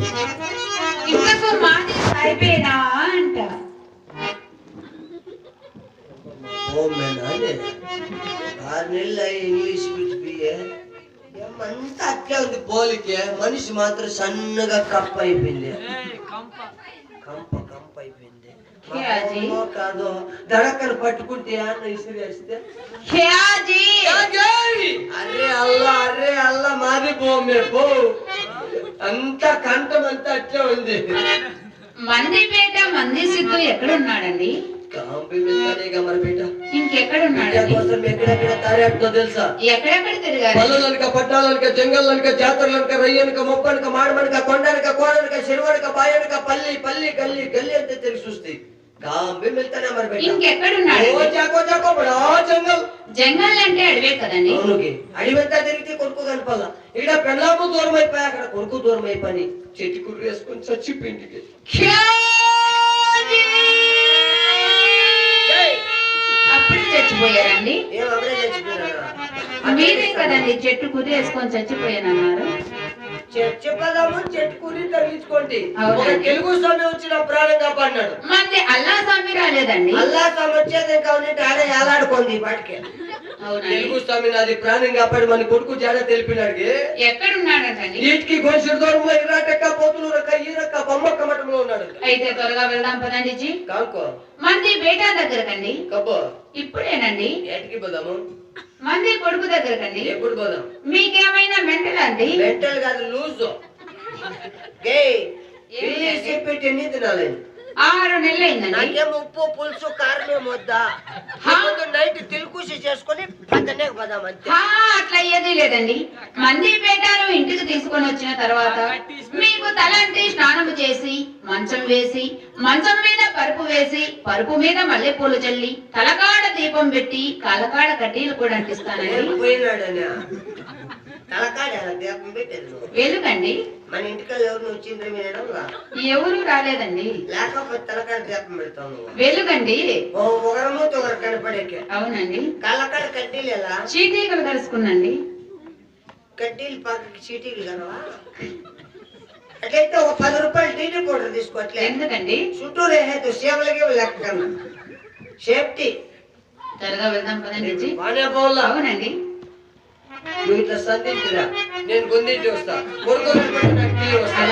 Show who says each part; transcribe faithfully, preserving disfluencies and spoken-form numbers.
Speaker 1: ఇంతకు మాది అయిపోయినా అంట
Speaker 2: ఆరు నెలలు ఇంగ్లీష్ పిలిచిపోయే ఏమంతా అట్లే ఉంది పోలికే మనిషి మాత్రం సన్నగా కప్ప అయిపోయింది కంప కంప అయిపోయింది కాదు దడక్కను పట్టుకుంటే అన్న ఇసిరేస్తే అరే అల్లా అరే అల్లా మాది పోమే పో అంతా కంఠం అంతా అట్లే ఉంది.
Speaker 1: మందిపేట మంది సిద్ధు ఎక్కడున్నాడండి?
Speaker 2: ఎక్కడెక్కడ తారేపుతో తెలుసా?
Speaker 1: ఎక్కడెక్కడ తిరిగారు?
Speaker 2: పల్లెలనక పట్టాలనక జంగల్లనక జాతరలనక రయ్యనక మొప్పనక మాడమనక కొండనక కోడనక చెరువనక బాయనక పల్లి పల్లి గల్లి గల్లి అంతే తెలిసి చూస్తాయి.
Speaker 1: జంగల్ అంటే అడవే కదండి.
Speaker 2: అడివంతా తిరిగితే కొడుకు కనపాల. ఇక్కడ పెళ్ళాము దూరం అయిపోయి అక్కడ కొడుకు దూరం అయిపోయి చెట్టు కుర్రు వేసుకొని చచ్చిపోయింది.
Speaker 1: అప్పుడే చచ్చిపోయారండి?
Speaker 2: ఏం అప్పుడే చచ్చిపోయారా?
Speaker 1: మీరే కదండి చెట్టు కుర్రి వేసుకొని చచ్చిపోయానన్నారు.
Speaker 2: చెట్టు పదాము చెట్టు కుర్రి తగిలించుకోండి. తెలుగు స్వామి వచ్చిన ప్రాణం కాపాడినాడు.
Speaker 1: మరి అల్లా స్వామి రాలేదండి?
Speaker 2: అల్లా స్వామి వచ్చేది కాబట్టి ఆడ ఏలాడుకోండి వాటికి. తెలుగు స్వామి నాది ప్రాణం కాపాడి మన కొడుకు జాడ తెలిపినాడు.
Speaker 1: ఎక్కడున్నాడండి?
Speaker 2: వీటికి గోషుడు దూరంలో ఇరాటక్క పోతులు రక్క ఈ రక్క బొమ్మక్క మఠంలో ఉన్నాడు.
Speaker 1: అయితే త్వరగా వెళ్దాం పదండి జీ.
Speaker 2: కానుకో
Speaker 1: మంది బేటా దగ్గరకండి.
Speaker 2: కబ్బో
Speaker 1: ఇప్పుడేనండి.
Speaker 2: ఏటికి పోదాము?
Speaker 1: మంది కొడుకు దగ్గరకండి.
Speaker 2: ఎప్పుడు పోదాం?
Speaker 1: మీకేమైనా మెంటల్ అండి?
Speaker 2: మెంటల్ కాదు లూజు. పెట్టి ఎన్ని తినాలి?
Speaker 1: ఆరు నెలలు అయిందండి.
Speaker 2: నాకేమో ఉప్పు పులుసు కారమే వద్దా? నైట్ తిలుకూసి చేసుకుని పక్కనే పోదాం అంతే.
Speaker 1: అట్లా ఏదీ లేదండి. మంది పేటాను ఇంటికి తీసుకొని వచ్చిన తర్వాత మీకు తలంటి స్నానం చేసి మంచం వేసి మంచం మీద పరుపు వేసి పరుపు మీద మల్లెపూలు చల్లి తలకాడ దీపం పెట్టి కాలకాడ కడ్డీలు కూడా అంటిస్తానండి.
Speaker 2: పోయినాడని తలకాడ దీపం పెట్టేది
Speaker 1: వెలుగండి.
Speaker 2: మన ఇంటికల్ ఎవరు వచ్చిండ్రు వినడం
Speaker 1: ఎవరు రాలేదండి.
Speaker 2: లేకపోతే తలకాడ దీపం పెడతాను.
Speaker 1: వెలుగండి.
Speaker 2: ఒకరము ఒకరు కనపడేకే.
Speaker 1: అవునండి.
Speaker 2: కళ్ళకాడ కడ్డీలు ఎలా?
Speaker 1: చీటీకలు కలుసుకున్నాండి.
Speaker 2: కడ్డీలు పక్కకి చీటీలు కలవా? అట్లయితే ఒక పది రూపాయలు టీటీ పౌడర్ తీసుకోవట్లే.
Speaker 1: ఎందుకండి?
Speaker 2: చుట్టూ రేహేతు సేవలకి లెక్క కన్నా సేఫ్టీ.
Speaker 1: త్వరగా వెళ్దాం పదండి. అవునండి.
Speaker 2: నువ్వు ఇట్లా సంధించిరా నేను గొందింటి వస్తా కొడుకు వస్తా